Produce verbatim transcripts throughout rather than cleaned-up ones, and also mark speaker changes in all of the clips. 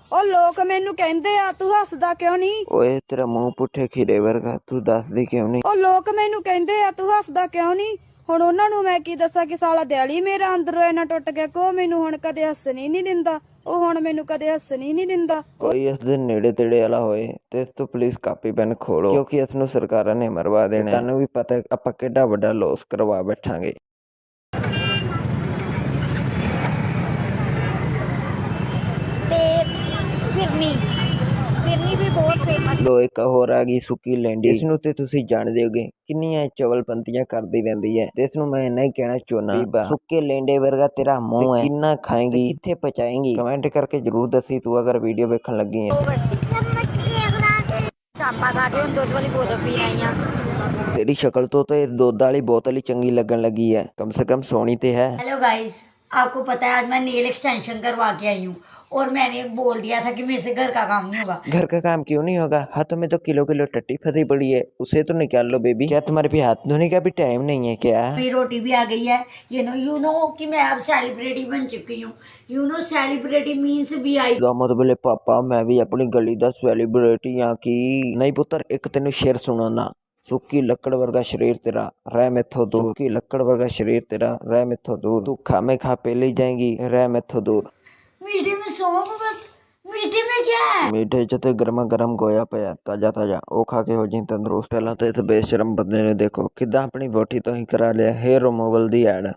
Speaker 1: ਉਹ ਲੋਕ ਮੈਨੂੰ ਕਹਿੰਦੇ ਆ ਤੂੰ ਹੱਸਦਾ ਕਿਉਂ ਨਹੀਂ।
Speaker 2: ਓਏ ਤੇਰਾ ਮੂੰਹ ਪੁੱਠੇ ਖੀਰੇ ਵਰਗਾ, ਤੂੰ ਦੱਸਦੀ ਕਿਉਂ ਨਹੀਂ।
Speaker 1: ਉਹ ਲੋਕ ਮੈਨੂੰ ਕਹਿੰਦੇ ਆ ਤੂੰ ਹੱਸਦਾ ਕਿਉਂ ਨਹੀਂ। ਹੁਣ ਉਹਨਾਂ ਨੂੰ ਮੈਂ ਕੀ ਦੱਸਾਂ ਕਿ ਸਾਲਾ ਦਿਹਾੜੀ ਮੇਰਾ ਅੰਦਰੋਂ ਇੰਨਾ ਟੁੱਟ ਗਿਆ ਕਿ ਉਹ ਮੈਨੂੰ ਹੁਣ ਕਦੇ ਹੱਸਣ ਹੀ ਨਹੀਂ ਦਿੰਦਾ। ਉਹ ਹੁਣ ਮੈਨੂੰ ਕਦੇ ਹੱਸਣ ਹੀ ਨਹੀਂ ਦਿੰਦਾ।
Speaker 2: ਕੋਈ ਇਸ ਦੇ ਨੇੜੇ ਤੇੜੇ ਵਾਲਾ ਹੋਏ ਤੇ ਇਸ ਤੋਂ ਪਲੀਜ਼ ਕਾਪੀ ਪੈਨ ਖੋਲੋ, ਕਿਉਂਕਿ ਇਸ ਨੂੰ ਸਰਕਾਰਾਂ ਨੇ ਮਰਵਾ ਦੇਣਾ। ਤੁਹਾਨੂੰ ਵੀ ਪਤਾ ਆਪਾਂ ਕਿੱਡਾ ਵੱਡਾ ਲੋਸ ਕਰਵਾ ਬੈਠਾਂਗੇ।
Speaker 3: ਤੇ ਫਿਰਨੀ ਫਿਰਨੀ ਵੀ ਬਹੁਤ ਫੇਮਸ।
Speaker 2: ਲੋ ਇੱਕ ਹੋਰ ਆ ਗਈ ਸੁੱਕੀ ਲੈਂਡੀ। ਇਸ ਨੂੰ ਤੇ ਤੁਸੀਂ ਜਾਣਦੇ ਹੋਗੇ ਕਿੰਨੀਆਂ ਚਵਲਪੰਤੀਆਂ ਕਰਦੀ ਰਹਿੰਦੀ ਹੈ, ਤੇ ਇਸ ਨੂੰ ਮੈਂ ਇੰਨਾ ਹੀ ਕਹਿਣਾ ਚਾਹੁੰਦਾ, ਸੁੱਕੇ ਲੈਂਡੇ ਵਰਗਾ ਤੇਰਾ ਮੂੰਹ ਹੈ, ਕਿੰਨਾ ਖਾਏਂਗੀ, ਕਿੱਥੇ ਪਚਾਏਂਗੀ। ਕਮੈਂਟ ਕਰਕੇ ਜਰੂਰ ਦੱਸੀ ਤੂੰ ਅਗਰ ਵੀਡੀਓ ਵੇਖਣ ਲੱਗੀ ਹੈ।
Speaker 3: ਚਾਪਾ ਖਾ ਕੇ ਹੁਣ ਦੁੱਧ ਵਾਲੀ ਬੋਤਲ ਪੀ ਰਹੀ ਆ।
Speaker 2: ਤੇਰੀ ਸ਼ਕਲ ਤੋਂ ਤਾਂ ਇਸ ਦੁੱਧ ਵਾਲੀ ਬੋਤਲ ਹੀ ਚੰਗੀ ਲੱਗਣ लगी है, कम से कम सोनी तो है।
Speaker 3: हेलो गाइस, आपको पता है आज मैं नेल एक्सटेंशन करवा के आई हूँ और मैंने बोल दिया था कि मेरे से घर का काम नहीं होगा।
Speaker 2: घर का काम क्यों नहीं होगा? हाथों में तो किलो किलो टट्टी फंसी पड़ी है, उसे तो निकाल लो बेबी। क्या तुम्हारे भी हाथ धोने का भी टाइम नहीं है क्या?
Speaker 3: मेरी रोटी भी आ गई है। यू नो यू नो कि मैं अब सेलिब्रिटी बन चुकी हूँ। You know celebrity means V I.
Speaker 2: मत बोले पापा, मैं भी अपनी गली का सेलिब्रिटी हाँ की नहीं पुत्र। एक तेन शेर सुनाना, सुक्की लकड़ वर्गा शरीर तेरा रह मैथों दूर, सुक्की लकड़ वर्गा शरीर तेरा रह मैथों दूर, तू खामे खा पे ले जाएंगी रह मैथों दूर।
Speaker 3: मीठे में सौंफ बस, मीठे में क्या है?
Speaker 2: मीठे च ते गर्मा गर्म गोया पिया ताजा ताजा, ओ खा के हो जी तंदुरुस्त। पहला तो इस बेशरम बंदे ने देखो किदा अपनी वोटी तो ही करा लिया हेयर रिमूवल दी ऐड।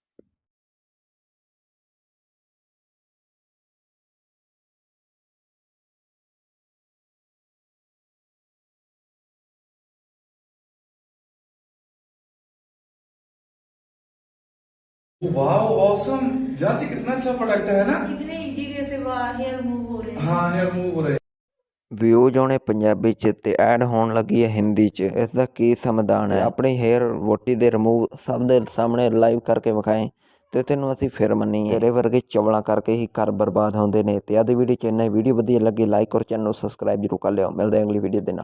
Speaker 4: वाह ऑसम यार, ये कितना अच्छा प्रोडक्ट है ना।
Speaker 5: कितने इजी वे से हेयर रिमूव हो रहे हैं।
Speaker 4: हाँ, हेयर मूव हो रहे हैं।
Speaker 2: ਵਿਊਜ਼ ਆਉਣੇ ਪੰਜਾਬੀ ਚ ਤੇ ਐਡ ਹੋਣ ਲੱਗੀ ਹੈ ਹਿੰਦੀ ਚ। ਇਸ ਦਾ ਕੀ ਸਮਾਧਾਨ ਹੈ? ਆਪਣੀ ਹੇਅਰ ਵੋਟੀ ਦੇ ਰਿਮੂਵ ਸਭ ਦੇ ਸਾਹਮਣੇ ਲਾਈਵ ਕਰਕੇ ਵਿਖਾਏ ਤੇ ਤੈਨੂੰ ਅਸੀਂ ਫਿਰ ਮੰਨੀਏ। ਤੇਰੇ ਵਰਗੇ ਚਵਲਾਂ ਕਰਕੇ ਹੀ ਘਰ ਬਰਬਾਦ ਹੁੰਦੇ ਨੇ। ਤੇ ਆਦੀ ਵੀਡੀਓ ਚ ਇੰਨਾ ਹੀ। ਵੀਡੀਓ ਵਧੀਆ ਲੱਗੀ ਲਾਈਕ ਔਰ ਚੈਨਲ ਨੂੰ ਸਬਸਕ੍ਰਾਈਬ ਜ਼ਰੂਰ ਕਰ ਲਿਓ। ਮਿਲਦੇ ਹਾਂ ਅਗਲੀ ਵੀਡੀਓ ਦੇ ਨਾਲ।